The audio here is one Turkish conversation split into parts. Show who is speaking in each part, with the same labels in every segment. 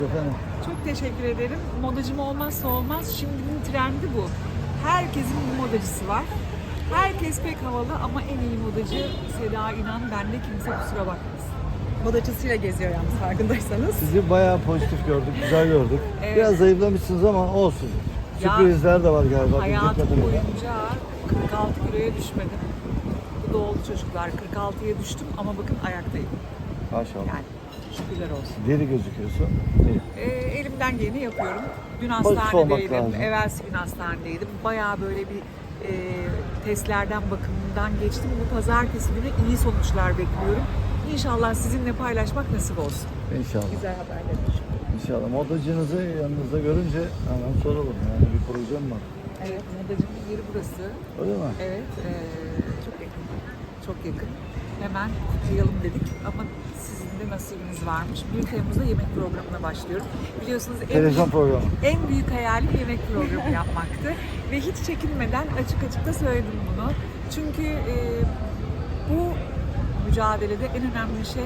Speaker 1: Efendim?
Speaker 2: Çok teşekkür ederim. Modacım olmazsa olmaz. Şimdinin trendi bu. Herkesin bir modacısı var. Herkes pek havalı ama en iyi modacı Seda İnan. Bende kimse kusura bakmasın.
Speaker 3: Modacısıyla geziyor yalnız farkındaysanız.
Speaker 1: Sizi bayağı pozitif gördük, güzel gördük.
Speaker 2: Evet.
Speaker 1: Biraz zayıflamışsınız ama olsun.
Speaker 2: Ya,
Speaker 1: Sürprizler de var galiba. bildiğim
Speaker 2: Hayatım
Speaker 1: kadarıyla.
Speaker 2: boyunca 46 kiloya düşmedim. Bu da oldu çocuklar. 46'ya düştüm ama bakın ayaktayım.
Speaker 1: Maşallah.
Speaker 2: Yani şükürler olsun.
Speaker 1: Deri gözüküyorsun. İyi.
Speaker 2: Elimden geleni yapıyorum. Dün
Speaker 1: Pozitif olmak
Speaker 2: hastanedeydim,
Speaker 1: lazım.
Speaker 2: evvelsi gün hastanedeydim. Bayağı böyle bir testlerden, bakımından geçtim. Bu pazartesi günü iyi sonuçlar bekliyorum. İnşallah sizinle paylaşmak nasip olsun.
Speaker 1: İnşallah.
Speaker 3: Güzel haberler.
Speaker 1: İnşallah. Modacınızı yanınızda görünce hemen soralım. Yani bir projem var.
Speaker 2: Evet, modacımın yeri burası.
Speaker 1: Öyle mi?
Speaker 2: Evet, çok yakın. Çok yakın. Hemen kutlayalım dedik ama sizin de nasibiniz varmış. 1 Temmuz'da yemek programına başlıyorum. Biliyorsunuz
Speaker 1: Televizyon programı.
Speaker 2: en büyük hayalim yemek programı yapmaktı. Ve hiç çekinmeden açık açık da söyledim bunu. Çünkü bu mücadelede en önemli şey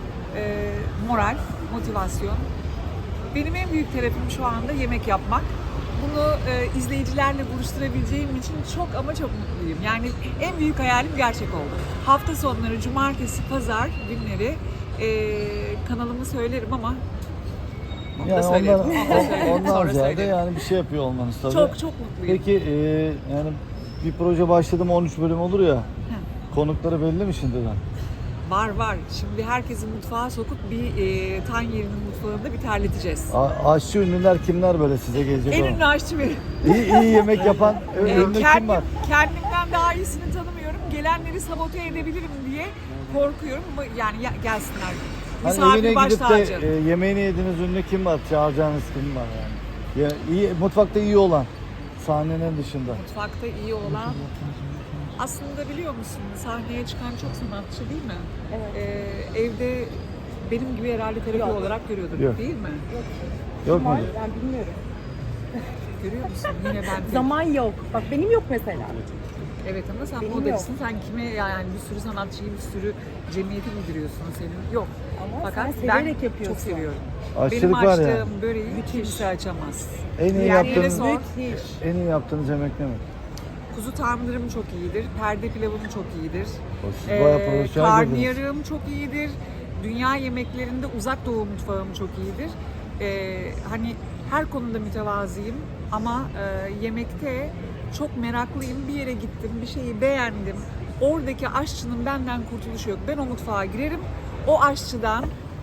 Speaker 2: moral, motivasyon. Benim en büyük terapim şu anda yemek yapmak. Bunu izleyicilerle buluşturabileceğim için çok ama çok mutluyum. Yani en büyük hayalim gerçek oldu. Hafta sonları, cumartesi, pazar günleri kanalımı söylerim ama onu da
Speaker 1: Yani
Speaker 2: söylerim.
Speaker 1: ondan
Speaker 2: Sonra
Speaker 1: ziyade
Speaker 2: söylerim.
Speaker 1: yani bir şey yapıyor olmanız tabii.
Speaker 2: Çok çok mutluyum.
Speaker 1: Peki yani bir proje başladı mı 13 bölüm olur ya. Konukları belli mi şimdiden?
Speaker 2: Var. Şimdi herkesi mutfağa sokup bir Tanyeri'nin mutfağında bir terleteceğiz.
Speaker 1: Aşçı ünlüler kimler böyle size gelecek
Speaker 2: En
Speaker 1: olan?
Speaker 2: ünlü aşçı benim.
Speaker 1: İyi yemek yapan ünlü kim var?
Speaker 2: Kendimden daha iyisini tanımıyorum. Gelenleri sabote edebilirim diye korkuyorum. Ama yani gelsinler.
Speaker 1: Hani
Speaker 2: Misafir
Speaker 1: evine
Speaker 2: baş
Speaker 1: gidip
Speaker 2: tacı.
Speaker 1: de yemeğini yediğiniz ünlü kim var? Çağıracağınız kim var yani? Ya, iyi, mutfakta iyi olan, sahnenin dışında.
Speaker 2: Mutfakta iyi olan. Aslında biliyor musun sahneye çıkan çok sanatçı değil mi?
Speaker 3: Evet.
Speaker 2: Evde benim gibi herhalde terapi
Speaker 3: Yok.
Speaker 2: olarak görüyordur
Speaker 1: Yok.
Speaker 2: değil mi?
Speaker 1: Yok mu?
Speaker 3: Var, ben bilmiyorum.
Speaker 2: Görüyor musun? Yine ben
Speaker 3: Zaman yok. Bak benim yok mesela.
Speaker 2: Evet ama sen
Speaker 3: Benim
Speaker 2: modacısın. Sen kime yani bir sürü sanatçıyı, bir sürü cemiyeti müdürüyorsun senin? Yok.
Speaker 3: Ama
Speaker 2: Fakat
Speaker 3: sen
Speaker 2: ben
Speaker 3: severek yapıyorsun.
Speaker 2: çok seviyorum.
Speaker 1: Aşçılık
Speaker 2: Benim
Speaker 1: var
Speaker 2: açtığım
Speaker 1: yani.
Speaker 2: böreği kimse açamaz.
Speaker 1: En iyi
Speaker 2: Yani
Speaker 1: yaptığınız,
Speaker 2: sor.
Speaker 3: Müthiş.
Speaker 1: en iyi yaptığınız yemek ne mi?
Speaker 2: Kuzu tandırım çok iyidir. Perde pilavım çok iyidir.
Speaker 1: O siz bayağı profesyonel girdiniz.
Speaker 2: Karnıyarığım çok iyidir. Dünya yemeklerinde uzak doğu mutfağım çok iyidir. Hani her konuda mütevazıyım ama yemekte çok meraklıyım. Bir yere gittim, bir şeyi beğendim. Oradaki aşçının benden kurtuluşu yok. Ben o mutfağa girerim. O aşçıdan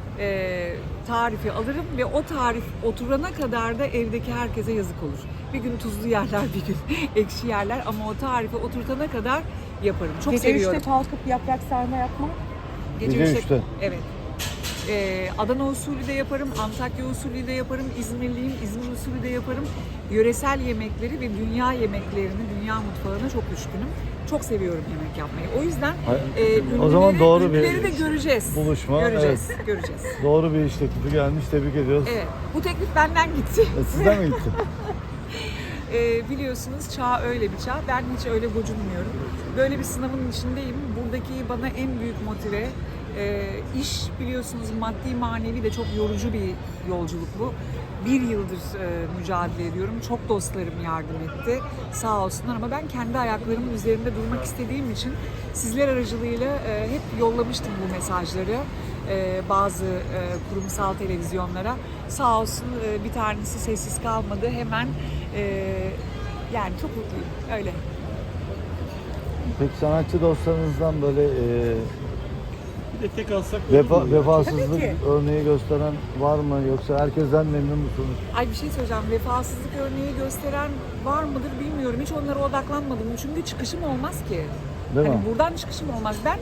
Speaker 2: tarifi alırım ve o tarif oturana kadar da evdeki herkese yazık olur. Bir gün tuzlu yerler, bir gün ekşi yerler ama o tarifi oturtana kadar yaparım. Çok
Speaker 3: Gece
Speaker 2: seviyorum.
Speaker 3: 3'te kalkıp yaprak sarma yapma.
Speaker 1: Gece 3'te.
Speaker 2: Evet. Adana usulü de yaparım, Antakya usulü de yaparım, İzmirliyim, İzmir usulü de yaparım. Yöresel yemekleri ve dünya yemeklerini, dünya mutfağına çok düşkünüm. Çok seviyorum yemek yapmayı. O yüzden
Speaker 1: O zaman doğru bir
Speaker 2: ünlüleri de göreceğiz.
Speaker 1: buluşma,
Speaker 2: Göreceğiz, göreceğiz.
Speaker 1: Doğru bir iş teklifi gelmiş. Tebrik ediyoruz.
Speaker 2: Evet, bu teklif benden gitti.
Speaker 1: Sizden mi gitti?
Speaker 2: Biliyorsunuz çağ öyle bir çağ. Ben hiç öyle gocunmuyorum. Böyle bir sınavın içindeyim. Buradaki bana en büyük motive iş biliyorsunuz maddi manevi de çok yorucu bir yolculuk bu. 1 yıldır mücadele ediyorum. Çok dostlarım yardım etti. Sağ olsunlar ama ben kendi ayaklarımın üzerinde durmak istediğim için sizler aracılığıyla hep yollamıştım bu mesajları bazı kurumsal televizyonlara. Sağ olsun bir tanesi sessiz kalmadı. Hemen yani çok mutluyum. Öyle.
Speaker 1: Peki sanatçı dostlarınızdan böyle
Speaker 4: Bir de tek alsak
Speaker 1: vefasızlık
Speaker 3: Tabii ki.
Speaker 1: örneği gösteren var mı? Yoksa herkesten memnun musunuz?
Speaker 2: Ay bir şey söyleyeceğim. Vefasızlık örneği gösteren var mıdır bilmiyorum. Hiç onlara odaklanmadım. Çünkü çıkışım olmaz ki.
Speaker 1: Değil
Speaker 2: Hani
Speaker 1: mi?
Speaker 2: buradan çıkışım olmaz. Ben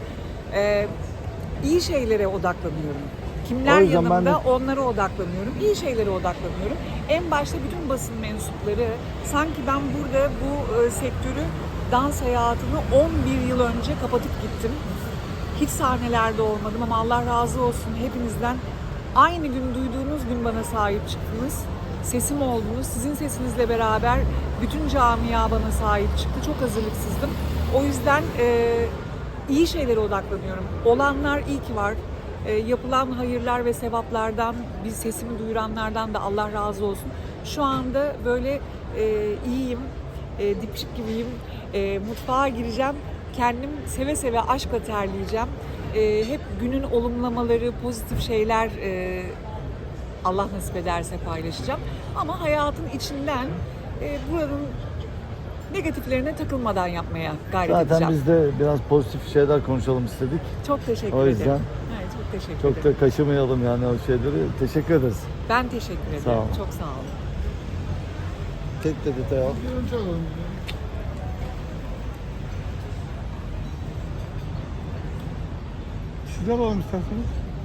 Speaker 2: iyi şeylere odaklanıyorum. Kimler
Speaker 1: O yüzden ben
Speaker 2: yanımda
Speaker 1: de-
Speaker 2: onlara odaklanıyorum. İyi şeylere odaklanıyorum. En başta bütün basın mensupları sanki ben burada bu sektörü dans hayatını 11 yıl önce kapatıp gittim. Hiç sahnelerde olmadım ama Allah razı olsun hepinizden. Aynı gün duyduğunuz gün bana sahip çıktınız. Sesim oldunuz. Sizin sesinizle beraber bütün camia bana sahip çıktı. Çok hazırlıksızdım. O yüzden iyi şeylere odaklanıyorum. Olanlar iyi ki var. Yapılan hayırlar ve sevaplardan, bir sesimi duyuranlardan da Allah razı olsun. Şu anda böyle iyiyim, dipçik gibiyim. Mutfağa gireceğim. Kendim seve seve aşkla terleyeceğim. Hep günün olumlamaları, pozitif şeyler Allah nasip ederse paylaşacağım. Ama hayatın içinden buranın negatiflerine takılmadan yapmaya gayret
Speaker 1: Zaten
Speaker 2: edeceğim.
Speaker 1: biz de biraz pozitif şeyler konuşalım istedik.
Speaker 2: Çok teşekkür
Speaker 1: O yüzden
Speaker 2: ederim. Evet, çok teşekkür
Speaker 1: çok
Speaker 2: ederim.
Speaker 1: da kaşımayalım yani o şeyleri. Teşekkür ederiz.
Speaker 2: Ben teşekkür ederim.
Speaker 1: Sağ ol.
Speaker 2: Çok sağ olun.
Speaker 1: Tek de detay al.
Speaker 4: Önce alalım. Sizler alalım isterseniz.